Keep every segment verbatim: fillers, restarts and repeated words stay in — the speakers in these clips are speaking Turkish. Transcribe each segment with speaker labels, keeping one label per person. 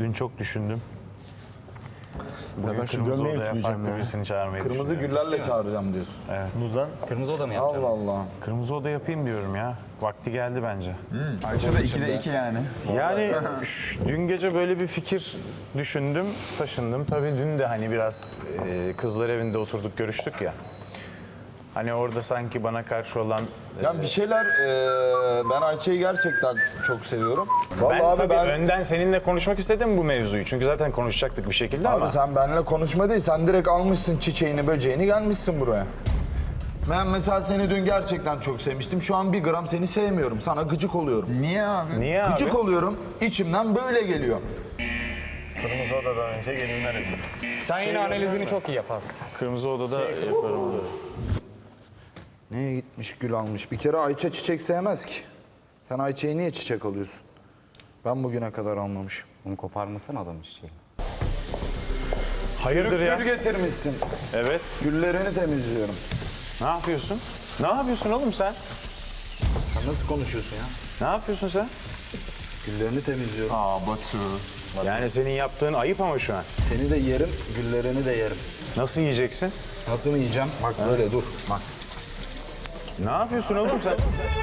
Speaker 1: Dün çok düşündüm. Bugün
Speaker 2: ben şu
Speaker 1: kırmızı
Speaker 2: gömleği
Speaker 1: odaya
Speaker 2: ütüleyeceğim
Speaker 1: farklı
Speaker 2: ya.
Speaker 1: birisini çağırmayı
Speaker 2: Kırmızı
Speaker 1: düşünüyorum.
Speaker 2: güllerle çağıracağım diyorsun.
Speaker 1: Muzdan
Speaker 3: Kırmızı oda mı yapacağım?
Speaker 2: Allah Allah.
Speaker 1: kırmızı oda yapayım diyorum ya. Vakti geldi bence.
Speaker 4: Ayça da ikide iki yani.
Speaker 1: Yani şş, dün gece böyle bir fikir düşündüm, taşındım. Tabii dün de hani biraz e, kızlar evinde oturduk, görüştük ya. Hani orada sanki bana karşı olan... e,
Speaker 2: Ya bir şeyler, e, ben Ayça'yı gerçekten çok seviyorum. Vallahi
Speaker 1: ben
Speaker 2: abi
Speaker 1: tabii
Speaker 2: ben...
Speaker 1: önden seninle konuşmak istedim bu mevzuyu. Çünkü zaten konuşacaktık bir şekilde
Speaker 2: Abi
Speaker 1: ama...
Speaker 2: sen benimle konuşma değil, sen direkt almışsın çiçeğini, böceğini, gelmişsin buraya. Ben mesela seni dün gerçekten çok sevmiştim. Şu an bir gram seni sevmiyorum. Sana gıcık oluyorum.
Speaker 4: Niye abi?
Speaker 1: Niye abi?
Speaker 2: Gıcık oluyorum. İçimden böyle geliyor.
Speaker 1: Kırmızı odadan önce gelinler evi.
Speaker 3: Sen yine analizini çok iyi yapar.
Speaker 1: Kırmızı odada yaparım onu.
Speaker 2: Neye gitmiş gül almış? Bir kere Ayça çiçek sevmez ki. Sen Ayça'yı niye çiçek alıyorsun? Ben bugüne kadar almamışım.
Speaker 3: Onu koparmasana adamın çiçeği.
Speaker 1: Hayırdır ya?
Speaker 2: Gül getirmişsin.
Speaker 1: Evet.
Speaker 2: Güllerini temizliyorum.
Speaker 1: Ne yapıyorsun? Ne yapıyorsun oğlum sen?
Speaker 2: Sen nasıl konuşuyorsun ya?
Speaker 1: Ne yapıyorsun sen?
Speaker 2: Güllerini temizliyorum.
Speaker 4: Aa Batu.
Speaker 1: Yani senin yaptığın ayıp ama şu an.
Speaker 2: Seni de yerim, güllerini de yerim.
Speaker 1: Nasıl yiyeceksin?
Speaker 2: Nasıl mı yiyeceğim? Bak böyle dur. Bak.
Speaker 1: Ne yapıyorsun oğlum sen?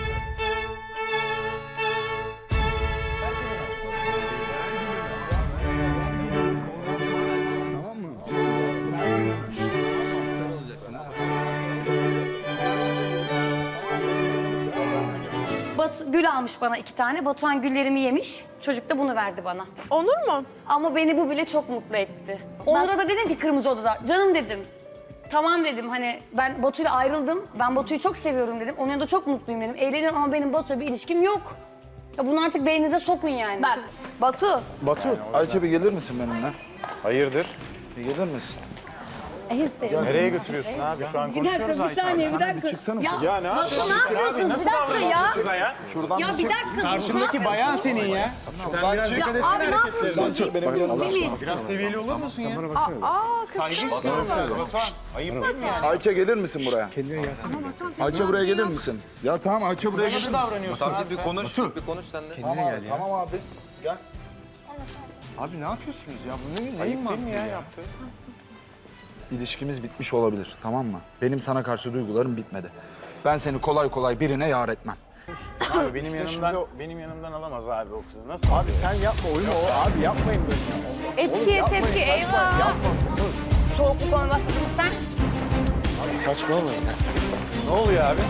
Speaker 5: Batu, gül almış bana iki tane. Batuhan güllerimi yemiş. Çocuk da bunu verdi bana.
Speaker 6: Onur mu?
Speaker 5: Ama beni bu bile çok mutlu etti. Onur'a da dedim ki kırmızı odada. Canım dedim. Tamam dedim hani ben Batu'yla ayrıldım. Ben Batu'yu çok seviyorum dedim. Onun yanında çok mutluyum dedim. Eğleniyorum ama benim Batu'yla bir ilişkim yok. Ya bunu artık beyninize sokun yani.
Speaker 6: Bak Batu.
Speaker 2: Batu, Ayça bir gelir misin benimle?
Speaker 1: Hayırdır?
Speaker 2: Bir gelir misin?
Speaker 5: En sevdiğim.
Speaker 1: Nereye götürüyorsun abi? Şu an
Speaker 5: Bir dakika,
Speaker 1: konuşuyoruz
Speaker 5: bir
Speaker 1: Ayça.
Speaker 5: saniye, bir dakika.
Speaker 2: Çıksana.
Speaker 5: Ya,
Speaker 1: Ya ne
Speaker 5: Batu
Speaker 1: yapıyorsun?
Speaker 5: ne yapıyorsunuz?
Speaker 1: Nasıl
Speaker 5: Bir dakika ya.
Speaker 1: davranıyorsun kıza ya?
Speaker 2: Şuradan
Speaker 5: Ya bir dakika.
Speaker 3: Karşındaki bayan senin ya.
Speaker 5: Ya abi ne yapıyorsun? Melih.
Speaker 1: Biraz seviyeli olur musun ya?
Speaker 6: Aa kız.
Speaker 1: Batuhan, ayıp değil mi yani?
Speaker 2: Ayça gelir misin buraya? Ayça buraya gelir misin? Ya tamam Ayça buraya gelir
Speaker 1: Nasıl
Speaker 2: misin?
Speaker 1: davranıyorsun abi?
Speaker 7: Bir konuş, bir konuş sen de.
Speaker 2: Tamam abi, tamam abi. Gel.
Speaker 4: Abi ne yapıyorsunuz ya? Bu ne, neyin
Speaker 1: Ayıp değil
Speaker 4: mantığı
Speaker 1: mi
Speaker 4: ya?
Speaker 1: ya yaptığın?
Speaker 2: İlişkimiz bitmiş olabilir, tamam mı? Benim sana karşı duygularım bitmedi. Ben seni kolay kolay birine yar etmem.
Speaker 1: Abi benim yanımdan,
Speaker 4: şimdi o-
Speaker 1: benim yanımdan alamaz abi o kızı. Nasıl?
Speaker 4: Abi sen yapma oyunu o. Abi yapmayın böyle. ya.
Speaker 6: Etkiye
Speaker 4: yapmayın,
Speaker 6: tepki
Speaker 4: saçma,
Speaker 6: eyvah.
Speaker 4: Yapma. Dur.
Speaker 5: Soğukluk olmaya başladın mı sen?
Speaker 4: Abi saçmalamayın ya.
Speaker 1: Ne oluyor abi?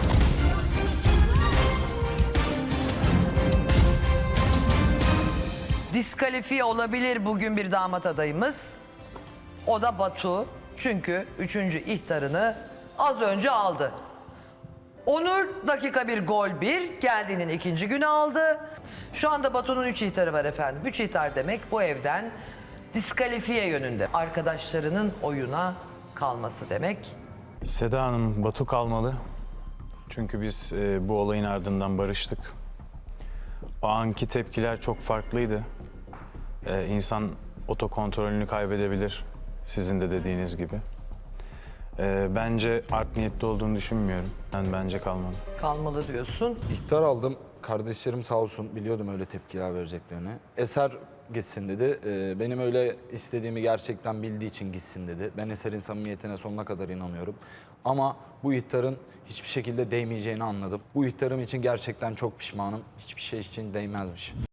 Speaker 8: Diskalifiye olabilir bugün bir damat adayımız. O da Batu. Çünkü üçüncü ihtarını az önce aldı. Onur dakika bir gol bir geldiğinin ikinci günü aldı. Şu anda Batu'nun üç ihtarı var efendim. Üç ihtar demek bu evden diskalifiye yönünde. Arkadaşlarının oyuna kalması demek.
Speaker 1: Seda Hanım, Batu kalmalı. Çünkü biz e, bu olayın ardından barıştık. O anki tepkiler çok farklıydı. E, insan otokontrolünü kaybedebilir, sizin de dediğiniz gibi. E, bence art niyetli olduğunu düşünmüyorum. Ben bence kalmalı.
Speaker 8: Kalmalı diyorsun.
Speaker 2: İhtar aldım. Kardeşlerim sağ olsun, biliyordum öyle tepkiler vereceklerini. Eser gitsin dedi. Ee, benim öyle istediğimi gerçekten bildiği için gitsin dedi. Ben Eser'in samimiyetine sonuna kadar inanıyorum. Ama bu ihtarın hiçbir şekilde değmeyeceğini anladım. Bu ihtarım için gerçekten çok pişmanım. Hiçbir şey için değmezmiş.